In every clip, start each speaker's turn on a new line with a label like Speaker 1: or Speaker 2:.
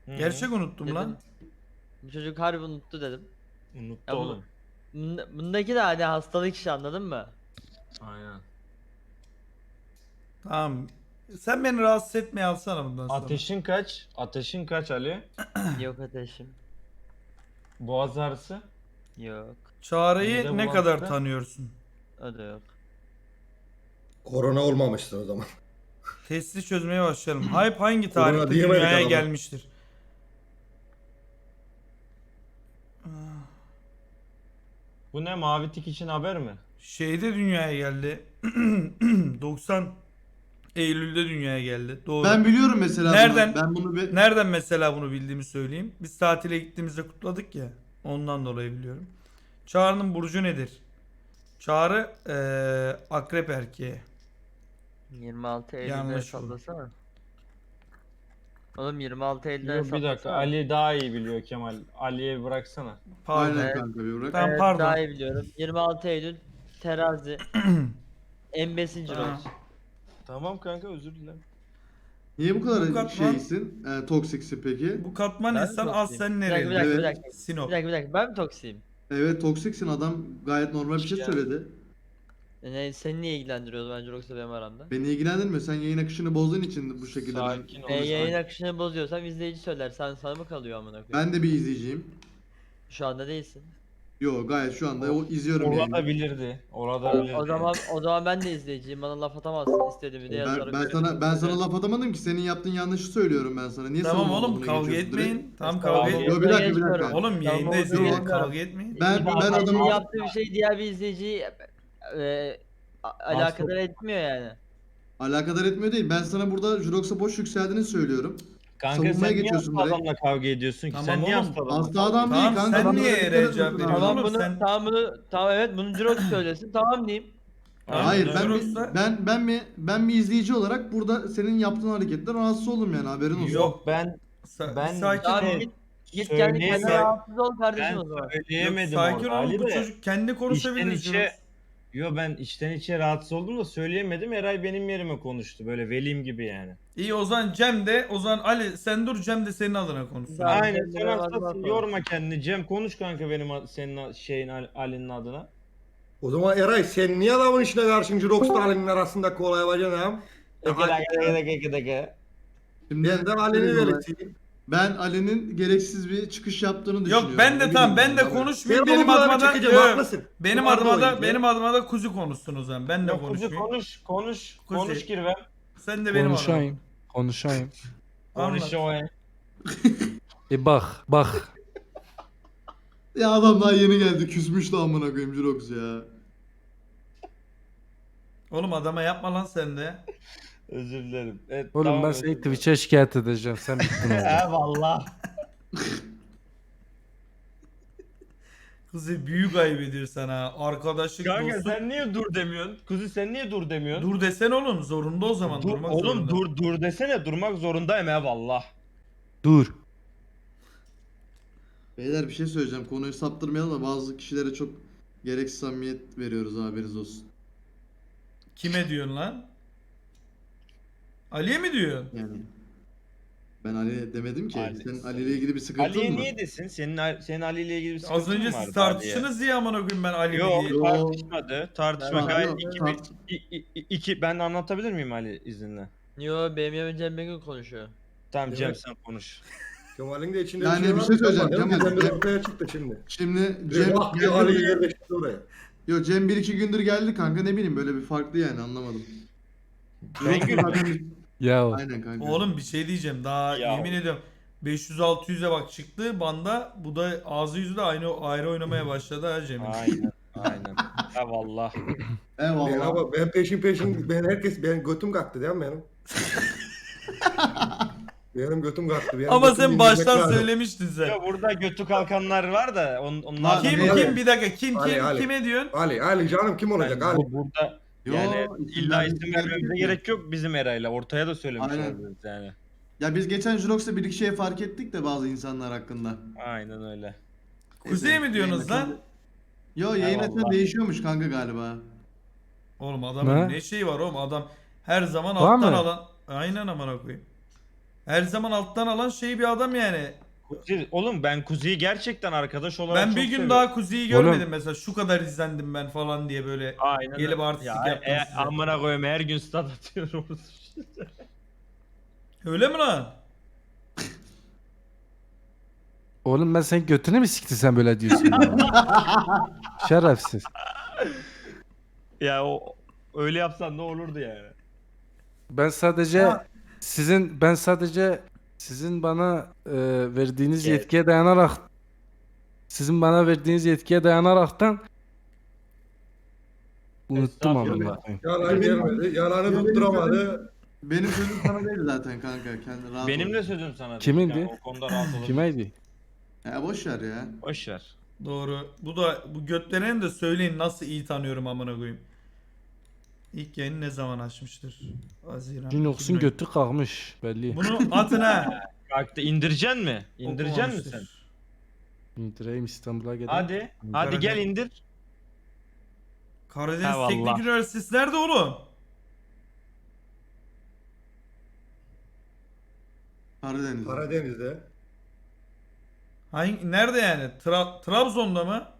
Speaker 1: Gerçek unuttum
Speaker 2: Dedim,
Speaker 1: lan.
Speaker 2: bu çocuk harbi unuttu dedim.
Speaker 3: Unuttu
Speaker 2: Ya bu-
Speaker 3: oğlum.
Speaker 2: Bundaki de hani hastalık işi, anladın mı?
Speaker 3: Aynen.
Speaker 1: Tamam. Sen beni rahatsız etmeye alsana bundan sonra.
Speaker 3: Ateşin kaç? Ateşin kaç Ali?
Speaker 2: Yok ateşim.
Speaker 3: Boğaz ağrısı?
Speaker 2: Yok.
Speaker 1: Çağrı'yı
Speaker 3: Mide
Speaker 1: ne kadar
Speaker 3: bulantısı?
Speaker 1: tanıyorsun?
Speaker 2: O da yok.
Speaker 4: Korona olmamıştır o zaman.
Speaker 1: Testi çözmeye başlayalım. Hype hangi
Speaker 4: Korona
Speaker 1: tarihte
Speaker 4: diyemedik
Speaker 1: dünyaya
Speaker 4: adama.
Speaker 1: gelmiştir?
Speaker 3: Bu ne, mavi tik için haber mi?
Speaker 1: Şeyde dünyaya geldi. 90 Eylül'de dünyaya geldi. Doğru.
Speaker 5: Ben biliyorum mesela
Speaker 1: Nereden?
Speaker 5: bunu. Ben bunu bir...
Speaker 1: Nereden mesela bunu bildiğimi söyleyeyim. Biz tatile gittiğimizde kutladık ya. Ondan dolayı biliyorum. Çağrı'nın burcu nedir? Çağrı akrep erkeği.
Speaker 2: 26 Eylül'de
Speaker 1: Yanlış bu.
Speaker 2: sallasana. Oğlum 26 Eylül'de
Speaker 3: Yok, bir dakika, Ali daha iyi biliyor Kemal. Ali'ye bıraksana.
Speaker 1: Pardon.
Speaker 5: Aynen kanka bir bırak.
Speaker 1: Tamam,
Speaker 2: Evet,
Speaker 1: pardon.
Speaker 2: daha iyi biliyorum. 26 Eylül terazi. En
Speaker 1: Ha.
Speaker 2: olsun.
Speaker 3: Tamam kanka, özür dilerim.
Speaker 5: Niye bu kadar
Speaker 1: Bu katman-
Speaker 5: şeysin? Toksiksin peki?
Speaker 1: Bu katman
Speaker 2: Ben mi
Speaker 1: insan
Speaker 2: toksiyim?
Speaker 1: az sen
Speaker 2: Bir dakika,
Speaker 1: nereli?
Speaker 2: bir dakika, bir
Speaker 5: Evet.
Speaker 2: dakika.
Speaker 1: Sinop.
Speaker 2: Bir dakika. Ben mi toksiyim?
Speaker 5: Evet toksiksin, adam gayet normal bir şey
Speaker 3: Ya.
Speaker 5: söyledi.
Speaker 2: Seni niye ilgilendiriyordu bence, yoksa benim aramda?
Speaker 5: Beni ilgilendirmiyor, sen yayın akışını bozduğun için bu şekilde
Speaker 3: Sakin ol.
Speaker 2: Yayın akışını bozuyorsam izleyici söyler. Sana mı kalıyor amına koyayım?
Speaker 5: Ben de bir izleyiciyim.
Speaker 2: Şu anda değilsin.
Speaker 5: Yo gayet şu anda o izliyorum
Speaker 3: Orada
Speaker 5: yayını.
Speaker 3: bilirdi. Orada bilirdi.
Speaker 2: O zaman ben de izleyiciyim. Bana laf atamazsın, istediğimi de yazarım.
Speaker 5: Ben sana laf atamadım ki, senin yaptığın yanlışı söylüyorum ben sana. Niye
Speaker 1: Tamam
Speaker 5: savunma
Speaker 1: oğlum,
Speaker 5: moduna
Speaker 1: kavga
Speaker 5: geçiyorsun direkt?
Speaker 1: etmeyin. Tamam,
Speaker 2: Tamam,
Speaker 1: kavga
Speaker 5: Yo,
Speaker 1: etmeyin.
Speaker 5: bir dakika.
Speaker 1: Oğlum yayındayız
Speaker 2: Tamam,
Speaker 1: ya,
Speaker 2: tamam.
Speaker 1: kavga etmeyin.
Speaker 5: Ben
Speaker 2: Senin
Speaker 5: adamı
Speaker 2: yaptığı bir şey diğer bir izleyiciyi alakadar etmiyor yani.
Speaker 5: alakadar etmiyor değil. Ben sana burada Jurox'a boş yükseldiğini söylüyorum.
Speaker 3: Kanka
Speaker 5: savunmaya
Speaker 3: sen niye
Speaker 5: geçiyorsun
Speaker 3: hasta
Speaker 5: direkt.
Speaker 3: adamla kavga ediyorsun ki?
Speaker 1: Tamam
Speaker 3: Sen niye
Speaker 1: oğlum,
Speaker 3: hasta adamla
Speaker 5: Hasta adam değil
Speaker 1: Tamam,
Speaker 5: kanka.
Speaker 1: sen
Speaker 5: adamlara
Speaker 1: niye
Speaker 5: dikkat
Speaker 1: yere
Speaker 5: etmiyorsun
Speaker 1: cevap
Speaker 5: abi.
Speaker 1: veriyorsun?
Speaker 2: Tamam
Speaker 1: oğlum,
Speaker 2: bunu
Speaker 1: sen-
Speaker 2: tamam evet bunu Jirox söylesin, tamam diyeyim.
Speaker 5: Hayır
Speaker 1: Jurox'la-
Speaker 5: ben bir izleyici olarak burada senin yaptığın hareketten rahatsız oldum yani, haberin olsun.
Speaker 1: Yok.
Speaker 3: Ben
Speaker 1: Bir sakin
Speaker 2: Tamam
Speaker 1: ol.
Speaker 2: git kendi kendine
Speaker 3: Söyleyemem.
Speaker 2: rahatsız ol kardeşim
Speaker 3: ben
Speaker 2: o zaman.
Speaker 1: Yok,
Speaker 3: söyleyemedim
Speaker 1: sakin
Speaker 3: orada.
Speaker 1: ol.
Speaker 3: Ali
Speaker 1: Bu
Speaker 3: de
Speaker 1: çocuk kendi konuşabilir.
Speaker 3: içten içe. Yo, ben içten içe rahatsız oldum da söyleyemedim. Eray benim yerime konuştu. Böyle velim gibi yani.
Speaker 1: İyi, o zaman Cem de, o zaman Ali sen dur, Cem de senin adına konuşsun.
Speaker 2: Tamam.
Speaker 3: Aynen,
Speaker 2: kendine
Speaker 3: sen
Speaker 2: bakma
Speaker 3: hastasın,
Speaker 2: sonra.
Speaker 3: yorma kendini. Cem konuş kanka, senin şeyin Ali'nin adına.
Speaker 4: O zaman Eray sen niye adamın işine karşın Jurox'la Ali'nin arasında kolay yapacaksın ha?
Speaker 5: Şimdi
Speaker 4: Ben de Ali'ni verirsin.
Speaker 5: Ben Ali'nin gereksiz bir çıkış yaptığını düşünüyorum.
Speaker 1: Yok, ben de
Speaker 5: Ne
Speaker 1: tamam, ben
Speaker 5: bileyim
Speaker 1: de
Speaker 5: abi.
Speaker 1: konuşmayayım.
Speaker 4: Sen
Speaker 1: Benim
Speaker 4: onu
Speaker 1: adıma da
Speaker 4: çekeceğim,
Speaker 1: Yok,
Speaker 4: haklısın.
Speaker 1: benim
Speaker 4: Vardı
Speaker 1: adıma da
Speaker 4: oyuncu.
Speaker 1: benim adıma da kuzu konuşsun o zaman. Ben de
Speaker 3: Yok, kuzu
Speaker 1: konuşmayayım.
Speaker 3: konuş
Speaker 1: Kuzey.
Speaker 3: Kirvem.
Speaker 1: Sen de benim adıma.
Speaker 6: Konuşayım.
Speaker 1: Anlat.
Speaker 3: Konuş o.
Speaker 6: Bak.
Speaker 5: Ya adam daha yeni geldi, küsmüştü amına koyayım Jurox ya.
Speaker 1: Oğlum adama yapma lan sen de.
Speaker 3: Özür dilerim. Evet,
Speaker 6: Oğlum
Speaker 3: tamam,
Speaker 6: ben
Speaker 3: özür
Speaker 6: seni
Speaker 3: dilerim.
Speaker 6: Twitch'e şikayet edeceğim. Sen bittin oğlum.
Speaker 3: Eyvallah.
Speaker 1: Kızı büyük ayıp ediyor sana. Arkadaşlık,
Speaker 3: Kanka
Speaker 1: dostluk.
Speaker 3: sen niye dur demiyorsun? Kuzu sen niye dur demiyorsun?
Speaker 1: Dur desen oğlum, zorunda o zaman.
Speaker 3: Dur,
Speaker 1: Durmak
Speaker 3: oğlum
Speaker 1: zorunda.
Speaker 3: dur desene, durmak zorundayım eyvallah.
Speaker 6: Dur.
Speaker 5: Beyler bir şey söyleyeceğim, konuyu saptırmayalım da bazı kişilere çok gereksiz samimiyet veriyoruz, haberiniz olsun.
Speaker 1: Kime diyorsun lan? Ali'ye mi diyorsun?
Speaker 5: Yani ben Ali demedim ki.
Speaker 3: Ali.
Speaker 5: Senin Ali ile ilgili bir sıkıntın
Speaker 3: Ali'ye
Speaker 5: mı?
Speaker 3: niye desin? Senin Ali ile ilgili bir sıkıntın
Speaker 1: Az önce
Speaker 3: mı vardı
Speaker 1: siz tartıştınız diye amına koyayım ben Ali
Speaker 3: Yok,
Speaker 1: diye.
Speaker 5: Yok.
Speaker 3: tartışmadı. Tartışma
Speaker 5: Yok,
Speaker 3: gayet
Speaker 5: yok,
Speaker 3: iki ben anlatabilir miyim Ali izinle?
Speaker 2: Yo, benim yerimde Cem Bengül konuşuyor.
Speaker 3: Tamam
Speaker 4: Evet.
Speaker 3: Cem, sen konuş.
Speaker 4: Kemal'in de içinde
Speaker 5: Yani bir
Speaker 4: var.
Speaker 5: şey söyleyeceğim,
Speaker 4: Kemal,
Speaker 5: Kemal.
Speaker 4: Birden bir ortaya çıktı şimdi.
Speaker 5: Şimdi
Speaker 4: Cem
Speaker 5: Cem
Speaker 4: bak diyor Ali'yi yerleştirdi oraya.
Speaker 5: Yo Cem 1-2 gündür geldi kanka, ne bileyim böyle bir farklı yani, anlamadım.
Speaker 3: Bengül
Speaker 5: Zaten-
Speaker 6: Ya
Speaker 5: Aynen kanka.
Speaker 1: Oğlum bir şey diyeceğim, daha
Speaker 3: Ya.
Speaker 1: yemin ediyorum 500-600'e bak çıktı banda, bu da ağzı yüzü de ayrı oynamaya başladı ha Cem'in.
Speaker 3: Aynen. Eyvallah.
Speaker 4: Ben,
Speaker 5: Eyvallah.
Speaker 4: ama ben peşin ben götüm kalktı değil mi benim? Benim götüm kalktı. Benim
Speaker 1: Ama
Speaker 4: götüm
Speaker 1: sen
Speaker 4: dinlemek
Speaker 1: baştan
Speaker 4: lazım.
Speaker 1: söylemiştin sen.
Speaker 3: Ya burada götü kalkanlar var da onlar
Speaker 5: Lan,
Speaker 1: Kim bir dakika kim
Speaker 4: Ali.
Speaker 1: kime diyorsun?
Speaker 4: Ali canım kim olacak Ali?
Speaker 3: burada
Speaker 5: Yo,
Speaker 3: yani illa
Speaker 5: isimler-
Speaker 3: isim vermemize gerek yok bizim Eray'la. Ortaya da söylemiş
Speaker 5: Aynen.
Speaker 3: oluruz yani.
Speaker 5: Ya biz geçen Jurox'ta bir iki şey fark ettik de bazı insanlar hakkında.
Speaker 3: Aynen öyle.
Speaker 1: Kuzey
Speaker 5: Neyse,
Speaker 1: mi diyorsunuz
Speaker 5: yayın
Speaker 1: lan?
Speaker 5: Yo yayın
Speaker 3: Eyvallah.
Speaker 5: açma değişiyormuş kanka galiba.
Speaker 1: Oğlum adamın
Speaker 6: Ne?
Speaker 1: ne şeyi var oğlum, adam her zaman
Speaker 6: Var
Speaker 1: alttan
Speaker 6: mı?
Speaker 1: alan. Aynen amına koyayım. Her zaman alttan alan şey bir adam yani.
Speaker 3: Kuzi, oğlum ben Kuzi'yi gerçekten arkadaş olarak
Speaker 1: Ben
Speaker 3: çok
Speaker 1: bir gün
Speaker 3: seviyorum.
Speaker 1: daha Kuzi'yi
Speaker 6: Oğlum.
Speaker 1: görmedim mesela. Şu kadar izlendim ben falan diye böyle.
Speaker 3: Aynen
Speaker 1: Gelip
Speaker 3: öyle.
Speaker 1: artistlik yaptım size.
Speaker 3: Amına koyayım her gün stat atıyoruz.
Speaker 1: Öyle mi lan?
Speaker 6: Oğlum ben senin götünü mü sikti sen böyle diyorsun ya? Şerefsiz.
Speaker 3: Ya o öyle yapsan ne olurdu yani?
Speaker 6: Ben sadece sizin bana verdiğiniz
Speaker 3: Evet.
Speaker 6: yetkiye dayanarak dayanaraktan unuttum
Speaker 3: Estağfurullah.
Speaker 6: amına koyayım.
Speaker 4: Yalan gelmedi. Yalanı tutturamadı.
Speaker 5: Benim sözüm sana değil zaten kanka. Kendi rahat
Speaker 3: Benim
Speaker 5: ol.
Speaker 3: de sözüm sana.
Speaker 6: Kimindi?
Speaker 3: Yani o konuda rahat olun.
Speaker 6: Kimeydi?
Speaker 5: Ya boş ver ya.
Speaker 3: Boş ver.
Speaker 1: Doğru. Bu götlenen de söyleyin nasıl iyi tanıyorum amına koyayım. İlk yayını ne zaman açmıştır? Haziran.
Speaker 6: Jinox'un
Speaker 1: 2010.
Speaker 6: götü kalkmış belli.
Speaker 1: Bunu atın ha.
Speaker 3: Kalktı indireceksin mi? İndireceksin mi sen?
Speaker 1: Okumamıştır.
Speaker 6: İndireyim İstanbul'a gidelim.
Speaker 3: Hadi. Hadi gel indir.
Speaker 1: Karadeniz
Speaker 3: Ha,
Speaker 1: Teknik
Speaker 3: vallahi.
Speaker 1: Üniversitesi nerede oğlum?
Speaker 5: Karadeniz'de.
Speaker 4: Karadeniz'de.
Speaker 1: Nerede yani? Trabzon'da mı? Ha,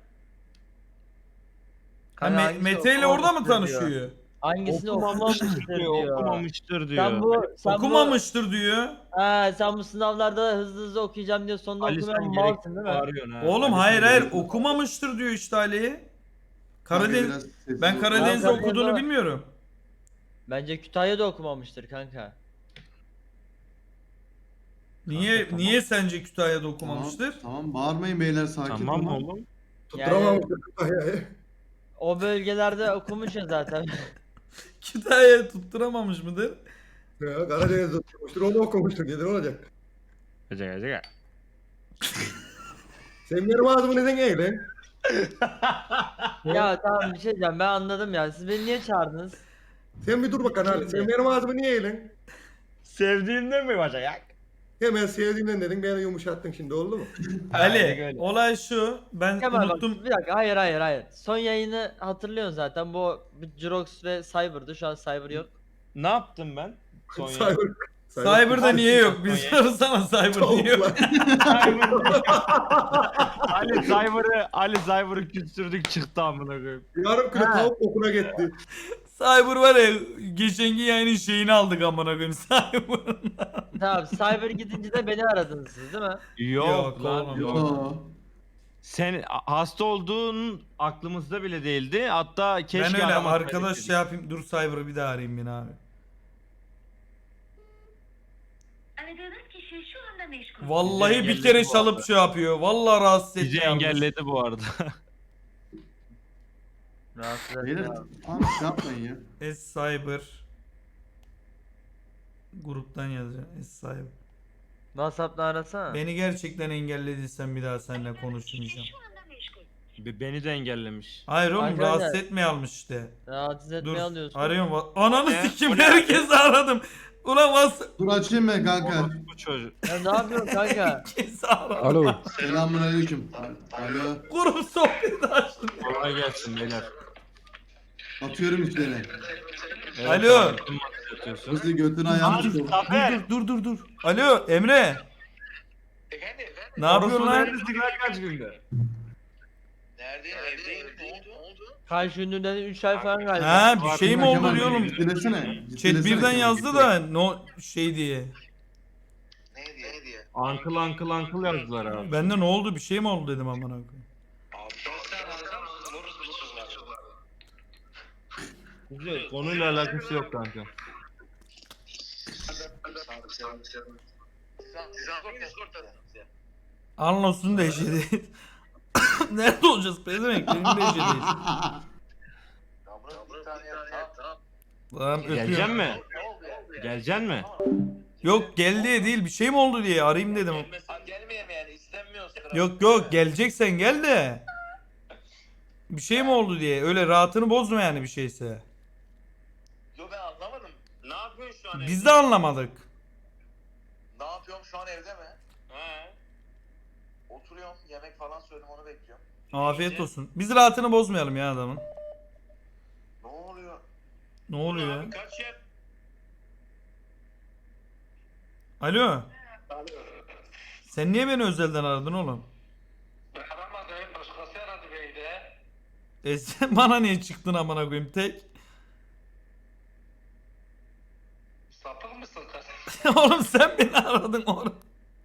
Speaker 2: Kanka hangisi
Speaker 1: Mete ile orada mı
Speaker 2: okumamıştır diyor.
Speaker 1: tanışıyor?
Speaker 2: Hangisini
Speaker 3: Okumamıştır
Speaker 2: okumamıştır
Speaker 3: diyor.
Speaker 2: diyor.
Speaker 3: Okumamıştır diyor.
Speaker 2: Sen
Speaker 1: Okumamıştır diyor.
Speaker 2: sen bu sınavlarda hızlı hızlı okuyacağım diye sonunda
Speaker 3: Ali
Speaker 2: okumayan
Speaker 3: sen
Speaker 2: malsın değil mi?
Speaker 3: bağırıyorsun ha.
Speaker 1: Oğlum
Speaker 3: Ali
Speaker 1: hayır
Speaker 3: sen
Speaker 1: hayır
Speaker 3: gerekli-
Speaker 1: okumamıştır diyor işte Ali.
Speaker 5: Kanka
Speaker 1: Karadeniz
Speaker 5: biraz sessiz
Speaker 1: ben
Speaker 5: ol.
Speaker 1: Karadeniz'de
Speaker 2: Karadeniz
Speaker 1: okuduğunu
Speaker 2: ama-
Speaker 1: bilmiyorum.
Speaker 2: Bence Kütahya'da okumamıştır kanka.
Speaker 1: Niye sence Kütahya'da
Speaker 5: Tamam,
Speaker 1: okumamıştır?
Speaker 5: tamam bağırmayın beyler sakin
Speaker 3: Tamam
Speaker 5: olun.
Speaker 3: oğlum.
Speaker 4: Tutturamamıştı Kütahya'yı.
Speaker 2: O bölgelerde okumuş ya zaten.
Speaker 1: Kütahya'yı tutturamamış mıdır?
Speaker 4: Ya, Karadeniz'de okumuştur. Onu okumuştur. Nedir olacak?
Speaker 3: Gece.
Speaker 4: Sen benim ağzımı neden eğlen?
Speaker 2: Ya tamam bir şey diyeceğim, ben anladım ya. Siz beni niye çağırdınız?
Speaker 4: Sen bir dur bakalım Ali. Sen benim ağzımı niye eğlen?
Speaker 3: Sevdiğinden mi bacak?
Speaker 4: Hemen sevdiğimden dedin. Beni yumuşattın şimdi oldu mu?
Speaker 1: Ali
Speaker 3: öyle.
Speaker 1: olay şu ben
Speaker 2: Kemal bak,
Speaker 1: unuttum.
Speaker 2: bir dakika, hayır. Son yayını hatırlıyorsun zaten. Bu Jirox ve Cyber'dı. Şu an Cyber yok.
Speaker 3: Ne yaptım ben? Son
Speaker 4: Cyber.
Speaker 1: Cyber'da niye yok? Biz sorsana Cyber niye yok?
Speaker 3: Ali Cyber'ı küstürdük çıktı amına koyayım.
Speaker 4: Yarım kilo tavuk kokuna gitti.
Speaker 1: Cyber var ya geçenki yayının şeyini aldık amına koyayım Cyber'ın.
Speaker 2: Tamam, Cyber gidince de beni aradınız siz değil mi?
Speaker 1: Yok
Speaker 3: lan,
Speaker 1: oğlum.
Speaker 5: Yo.
Speaker 3: Sen hasta olduğun aklımızda bile değildi. Hatta keşke
Speaker 1: Ben öyle
Speaker 3: aramasaydık
Speaker 1: arkadaş
Speaker 3: dedik.
Speaker 1: şey yapayım dur Cyber'ı bir daha arayayım beni abi.
Speaker 7: Aradığınız kişi şu anda meşgul.
Speaker 1: Vallahi bir
Speaker 3: engelledi
Speaker 1: kere
Speaker 3: bu
Speaker 1: çalıp
Speaker 3: arada.
Speaker 1: şey yapıyor. Vallahi rahatsız
Speaker 3: Bizi
Speaker 1: etmeye almış.
Speaker 3: engelledi bu arada.
Speaker 2: Rahatsız
Speaker 5: Beyler
Speaker 2: etme.
Speaker 5: tamam şey yapmayın ya.
Speaker 1: Cyber gruptan yazacağım. Cyber.
Speaker 2: WhatsApp'la arasana.
Speaker 1: Beni gerçekten engellediysen bir daha seninle konuşmayacağım.
Speaker 7: Şu anda meşgul.
Speaker 3: Beni de engellemiş.
Speaker 1: Hayır oğlum
Speaker 2: Arkadaşlar-
Speaker 1: rahatsız etmeye almış işte.
Speaker 2: Rahatsız
Speaker 1: Dur
Speaker 2: etmeye alıyorsun.
Speaker 1: arıyorum. Ananı
Speaker 3: Ne?
Speaker 1: sikim
Speaker 3: O ne?
Speaker 1: herkesi aradım. Ulan
Speaker 5: Dur açayım ben kanka.
Speaker 3: Bu çocuk.
Speaker 2: Ya ne yapıyorsun kanka?
Speaker 1: herkesi aradım.
Speaker 6: Alo.
Speaker 5: Selamun aleyküm. Alo.
Speaker 1: Grup sohbeti açtım.
Speaker 3: Kolay gelsin beyler.
Speaker 5: Atıyorum üstlerine.
Speaker 3: Evet,
Speaker 1: Alo.
Speaker 3: abi, kim atıyorsun?
Speaker 5: Hızlı götünü ayağını
Speaker 3: Abi,
Speaker 5: tut.
Speaker 3: Zafer.
Speaker 1: Dur. Alo Emre. Ne yapıyorsun
Speaker 3: Orospu
Speaker 1: lan?
Speaker 3: neredesin lan kaç günde?
Speaker 8: Neredeyim? Evdeyim. Ne oldu?
Speaker 2: Karşı ünlüden 3 ay falan galiba.
Speaker 1: Ha bir şey mi oldu
Speaker 5: Kemal,
Speaker 1: diyorum.
Speaker 5: Ciddilesene.
Speaker 1: Chat birden yazdı da no şey diye.
Speaker 8: Ne diye?
Speaker 3: Ankıl yazdılar abi.
Speaker 1: Bende ne oldu bir şey mi oldu dedim amına koyayım.
Speaker 8: Abi sen anlatsana. Moruz biçiyorlar.
Speaker 3: Güzel. Konuyla alakası yok kanka.
Speaker 8: Siz Discord'da.
Speaker 1: Anlos'un da eşeği. Nerede olacağız pezevenk? Benim de eşeğiyiz.
Speaker 8: Ya burası bir tane ya. Tamam.
Speaker 1: Tamam
Speaker 3: Geleceksin
Speaker 1: öpüyorum.
Speaker 3: mi?
Speaker 8: Ne oldu ya?
Speaker 3: Geleceksin mi?
Speaker 1: Yok gel diye değil bir şey mi oldu diye arayayım dedim.
Speaker 8: Sen gelmeyeyim yani istenmiyorsun.
Speaker 1: Yok geleceksen gel de. Bir şey mi oldu diye öyle rahatını bozma yani bir şeyse.
Speaker 8: Yo ben anlamadım. Ne yapıyorsun şu an evde?
Speaker 1: Biz de anlamadık.
Speaker 8: Ne yapıyorum şu an evde mi? He. Oturuyorum yemek falan söyledim onu bekliyorum.
Speaker 1: Afiyet olsun. Biz rahatını bozmayalım ya adamın.
Speaker 8: Ne oluyor?
Speaker 1: Ne oluyor ya?
Speaker 8: Kaç yer?
Speaker 1: Alo. Sen niye beni özelden aradın oğlum?
Speaker 8: Ben aramadım. Başkası aradı beni de.
Speaker 1: Sen bana niye çıktın amına koyayım tek?
Speaker 8: Sapık mısın kız?
Speaker 1: Oğlum sen beni aradın oğlum.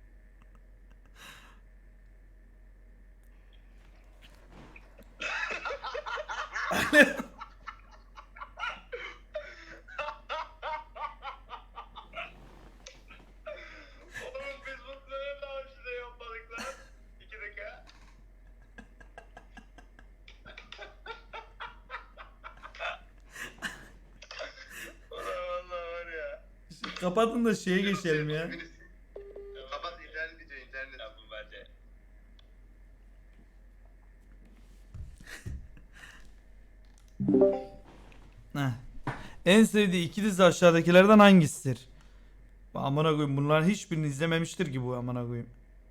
Speaker 8: Oğlum biz bunları daha önce de yapmadık lan. 2 dakika. Ulan valla var ya.
Speaker 1: Kapatın da şeye geçelim ya.
Speaker 8: Kapat internet gidiyor internet. Ya bu bence.
Speaker 1: Heh. En sevdiği iki dizi aşağıdakilerden hangisidir? Amına koyayım bunların hiçbirini izlememiştir ki bu amına koyayım.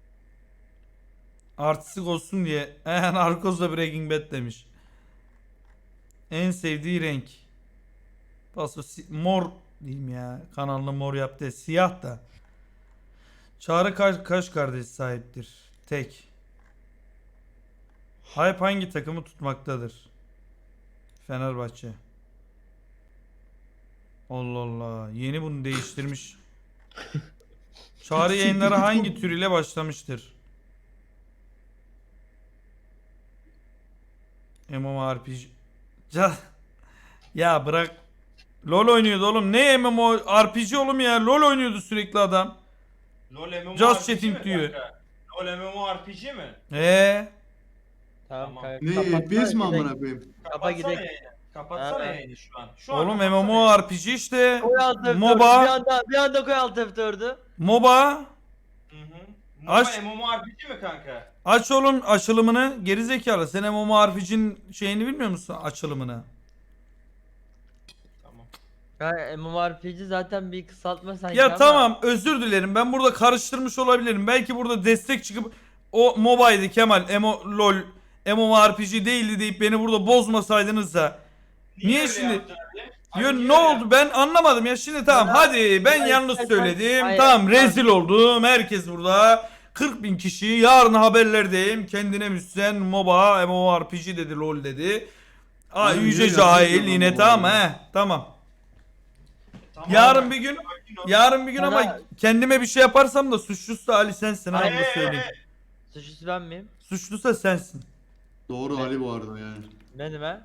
Speaker 1: Artistik olsun diye Narcos'la Breaking Bad demiş. En sevdiği renk. Paso mor diyeyim ya. Kanalını mor yaptı. Siyah da. Çağrı kaç kardeş sahiptir? Tek. Hype hangi takımı tutmaktadır? Fenerbahçe. Allah Allah. Yeni bunu değiştirmiş. Çağrı yayınları hangi tür ile başlamıştır? MMORPG. Ya bırak. LoL oynuyordu oğlum. Ne MMORPG oğlum ya? LoL oynuyordu sürekli adam.
Speaker 3: LoL MMORPG
Speaker 1: Just chatting
Speaker 3: mi
Speaker 1: diyor.
Speaker 3: kanka? LoL MMORPG mi?
Speaker 2: Tamam
Speaker 3: Tamam.
Speaker 2: kanka.
Speaker 5: Ne
Speaker 2: kapatsana,
Speaker 5: FPS mi
Speaker 2: gidelim.
Speaker 5: amına koyayım?
Speaker 2: Kapa gidelim.
Speaker 3: yayını. Kapatsana
Speaker 2: Ha.
Speaker 3: yayını şu an. Şu an
Speaker 1: Oğlum
Speaker 3: kapatsana
Speaker 1: MMORPG işte.
Speaker 2: Koy alt F4'ü.
Speaker 1: MOBA.
Speaker 2: Bir anda koy alt F4'ü.
Speaker 1: MOBA.
Speaker 3: yayını. Hı hı.
Speaker 1: Aç.
Speaker 3: MOBA MMORPG mi kanka?
Speaker 1: Aç oğlum açılımını. Gerizekalı. Sen MMORPG'nin şeyini bilmiyor musun? Açılımını.
Speaker 3: Tamam.
Speaker 2: Ya MMORPG zaten bir kısaltma sanki
Speaker 1: Ya
Speaker 2: ama.
Speaker 1: tamam özür dilerim. Ben burada karıştırmış olabilirim. Belki burada destek çıkıp o MOBA'ydı Kemal. LOL MMORPG değildi deyip beni burada bozmasaydınız da. Niye
Speaker 3: öyle
Speaker 1: şimdi?
Speaker 3: yaptın abi?
Speaker 1: Yo,
Speaker 3: Abi niye
Speaker 1: ne
Speaker 3: öyle
Speaker 1: oldu ben anlamadım ya şimdi tamam
Speaker 2: Ya,
Speaker 1: hadi ben
Speaker 2: ya
Speaker 1: yanlış
Speaker 2: istersen-
Speaker 1: söyledim
Speaker 2: Hayır,
Speaker 1: tamam
Speaker 2: hayır.
Speaker 1: rezil oldum herkes burada 40.000 kişi yarın haberlerdeyim kendine müsten MOBA MMORPG dedi LOL dedi. Aa
Speaker 5: Abi,
Speaker 1: yüce
Speaker 5: niye
Speaker 1: cahil
Speaker 5: yapıyorsun
Speaker 1: yine
Speaker 5: ama
Speaker 1: tamam
Speaker 5: bu
Speaker 1: he tamam.
Speaker 3: Tamam
Speaker 1: Yarın
Speaker 3: abi.
Speaker 1: bir gün
Speaker 3: Sakin ol.
Speaker 1: yarın bir gün ama
Speaker 2: Bana-
Speaker 1: kendime bir şey yaparsam da suçlusu da Ali sensin ha
Speaker 3: Hayır,
Speaker 1: onu da
Speaker 3: hayır,
Speaker 1: söyleyeyim.
Speaker 3: hayır.
Speaker 2: Suçlusu ben miyim?
Speaker 1: Suçlusa sensin.
Speaker 5: Doğru Ali bu arada yani.
Speaker 2: Benim he.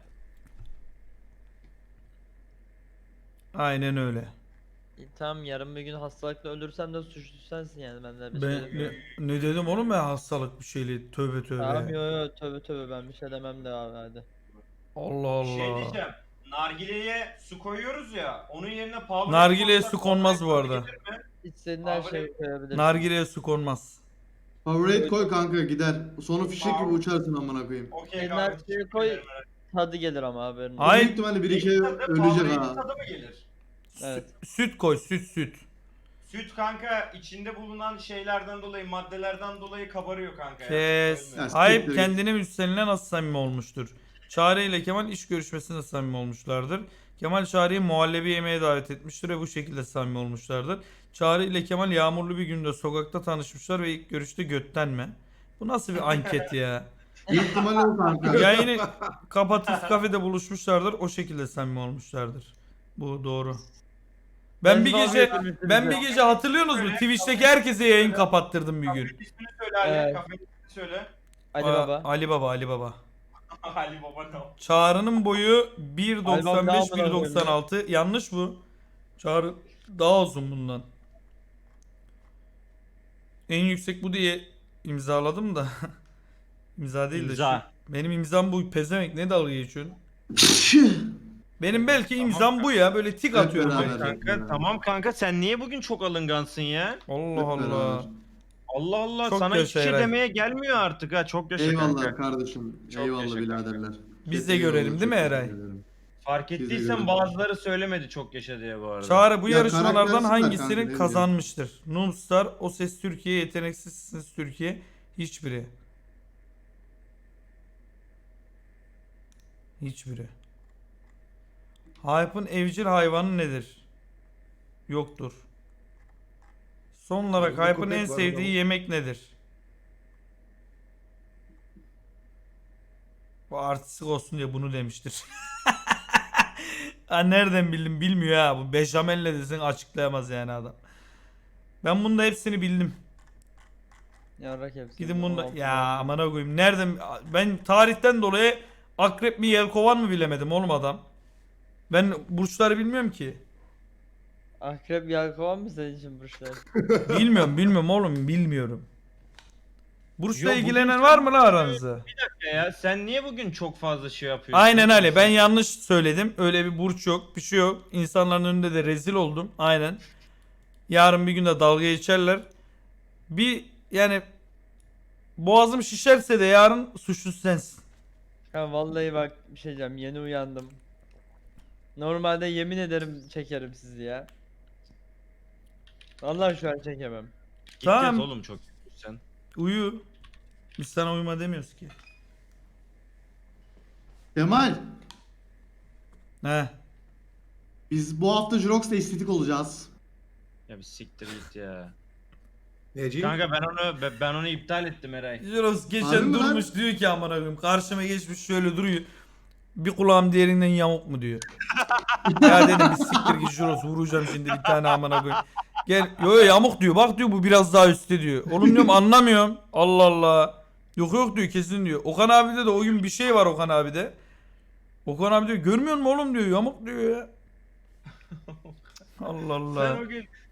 Speaker 1: Aynen öyle.
Speaker 2: Tamam yarın bir gün hastalıkla ölürsem de suçlusu sensin yani ben de bir
Speaker 1: Ben
Speaker 2: şey demiyorum.
Speaker 1: ne dedim oğlum ben hastalık bir şeyle tövbe tövbe.
Speaker 2: Tamam yo tövbe tövbe ben bir şey demem de abi hadi.
Speaker 1: Allah
Speaker 3: Şey
Speaker 1: Allah.
Speaker 3: diyeceğim. Nargileye su koyuyoruz ya. Onun yerine power
Speaker 1: Nargileye
Speaker 3: koysak
Speaker 1: su konmaz bu
Speaker 3: power
Speaker 1: arada.
Speaker 3: gelir mi?
Speaker 2: İstediğin her
Speaker 3: Abi,
Speaker 2: şeyi koyabilirsin.
Speaker 1: Nargileye su konmaz.
Speaker 5: Favorite koy kanka gider. Sonu fişek gibi uçarsın amına koyayım.
Speaker 3: Okey
Speaker 2: Senin
Speaker 3: kanka.
Speaker 2: her şeyi koy. Tadı gelir ama haberin.
Speaker 1: Ay-
Speaker 5: Büyük ihtimalle bir iki ölecek ha.
Speaker 3: Tadı mı gelir?
Speaker 2: Evet.
Speaker 1: Süt koy süt.
Speaker 3: Süt kanka içinde bulunan şeylerden dolayı, maddelerden dolayı kabarıyor kanka.
Speaker 1: Kes.
Speaker 3: Ölmüyor.
Speaker 5: Ya,
Speaker 1: Ayıp
Speaker 5: siktir
Speaker 1: kendine müstenine nasıl samimi olmuştur? Çağrı ile Kemal iş görüşmesinde samimi olmuşlardır. Kemal Çağrı'yı muhallebi yemeğe davet etmiştir ve bu şekilde samimi olmuşlardır. Çağrı ile Kemal yağmurlu bir günde sokakta tanışmışlar ve ilk görüşte götten mi? Bu nasıl bir anket ya?
Speaker 5: Büyük ihtimalle o kanka.
Speaker 1: Yayını kapatıp kafede buluşmuşlardır. O şekilde samimi olmuşlardır. Bu doğru. Ben bir gece hatırlıyorsunuz mu? Twitch'teki herkese yayın kapattırdım bir gün.
Speaker 3: Kafenin ismini söyle Ali.
Speaker 2: Evet.
Speaker 3: Kafenin ismini söyle.
Speaker 2: Ali
Speaker 1: Aa,
Speaker 2: baba.
Speaker 1: Ali Baba, Ali Baba.
Speaker 3: Ali Baba no.
Speaker 1: Çağrı'nın boyu
Speaker 2: Albam daha
Speaker 1: 1.95 1.96. Yanlış bu. Çağrı daha uzun bundan. En yüksek bu diye imzaladım da. İmza değil de
Speaker 3: İmza.
Speaker 1: şu. Benim imzam bu. Pezevenk ne dalga geçiyorsun? Benim belki imzam bu ya. Böyle tik atıyorum.
Speaker 5: beraber.
Speaker 1: belki.
Speaker 3: Kanka tamam kanka sen niye bugün çok alıngansın ya?
Speaker 1: Allah
Speaker 5: Hep
Speaker 1: Allah.
Speaker 5: beraber.
Speaker 3: Allah Allah
Speaker 1: Çok
Speaker 3: sana hiçbir şey
Speaker 1: yaşa Eray.
Speaker 3: demeye gelmiyor artık ha çok yaşa
Speaker 5: Eyvallah
Speaker 3: kanka.
Speaker 5: kardeşim.
Speaker 3: Çok
Speaker 5: Eyvallah
Speaker 3: yaşa
Speaker 5: biraderler.
Speaker 1: Biz de
Speaker 5: Eyvallah,
Speaker 1: görelim
Speaker 5: çok
Speaker 1: değil mi
Speaker 5: teşekkür
Speaker 1: Eray?
Speaker 5: ederim.
Speaker 3: Fark
Speaker 5: Siz de
Speaker 3: ettiysen
Speaker 5: görün.
Speaker 3: bazıları söylemedi çok yaşa diye bu arada.
Speaker 1: Çağrı bu
Speaker 5: Ya
Speaker 1: yarışmalardan
Speaker 5: karaktersiz de kanka,
Speaker 1: hangisini
Speaker 5: ne bileyim.
Speaker 1: kazanmıştır? Noobstar, O Ses Türkiye, Yeteneksizsiniz Türkiye. Hiçbiri. Hiçbiri. Hype'ın evcil hayvanı nedir? Yoktur. Son olarak
Speaker 4: Burada
Speaker 1: Hype'ın
Speaker 4: köpek
Speaker 1: en
Speaker 4: var
Speaker 1: sevdiği
Speaker 4: adamın.
Speaker 1: yemek nedir? Bu artistik olsun diye bunu demiştir. Ha, nereden bildim bilmiyor ha. Bu beşamelle desin açıklayamaz yani adam. Ben bunda hepsini bildim.
Speaker 2: Yarrak hepsi.
Speaker 1: Gidin bunda ya amına koyayım. Nereden ben tarihten dolayı akrep mi yelkovan mı bilemedim oğlum adam. Ben burçları bilmiyorum ki.
Speaker 2: Akrep yelkovan mı senin için burçlar?
Speaker 1: Bilmiyorum oğlum bilmiyorum. Burçla
Speaker 3: Yo, bugün
Speaker 1: ilgilenen
Speaker 3: sen-
Speaker 1: var mı lan aranızda?
Speaker 3: Ya sen niye bugün çok fazla şey yapıyorsun?
Speaker 1: Aynen öyle. Ben yanlış söyledim. Öyle bir burç yok. Bir şey yok. İnsanların önünde de rezil oldum. Aynen. Yarın bir gün de dalga geçerler. Bir yani boğazım şişerse de yarın suçlusu sensin.
Speaker 2: Ya vallahi bak bir şey diyeceğim, yeni uyandım. Normalde yemin ederim çekerim sizi ya. Vallahi şu an çekemem.
Speaker 3: Git
Speaker 1: Tamam.
Speaker 3: yat oğlum çok sen.
Speaker 1: Uyu. Biz sana uyuma demiyoruz ki.
Speaker 5: Kemal,
Speaker 1: He.
Speaker 5: biz bu hafta Jurox'ta estetik olacağız.
Speaker 3: Ya bir siktir git ya.
Speaker 4: Neci?
Speaker 3: Kanka ben onu iptal ettim Eray.
Speaker 1: Jiros
Speaker 5: Harbi
Speaker 1: geçen
Speaker 5: mi lan?
Speaker 1: durmuş diyor ki amına koyayım karşıma geçmiş şöyle duruyor. Bir kulağım diğerinden yamuk mu diyor. Ya dedim bir siktir git Jiros vuracağım şimdi bir tane amına koyayım. Gel yo yamuk diyor bak diyor bu biraz daha üstte diyor. Oğlum diyorum anlamıyorum. Allah Allah. Yok diyor kesin diyor. Okan abide de o gün bir şey var Okan abide. Okan abi diyor görmüyor musun oğlum diyor yamuk diyor ya. Allah Allah.
Speaker 3: Sen o gün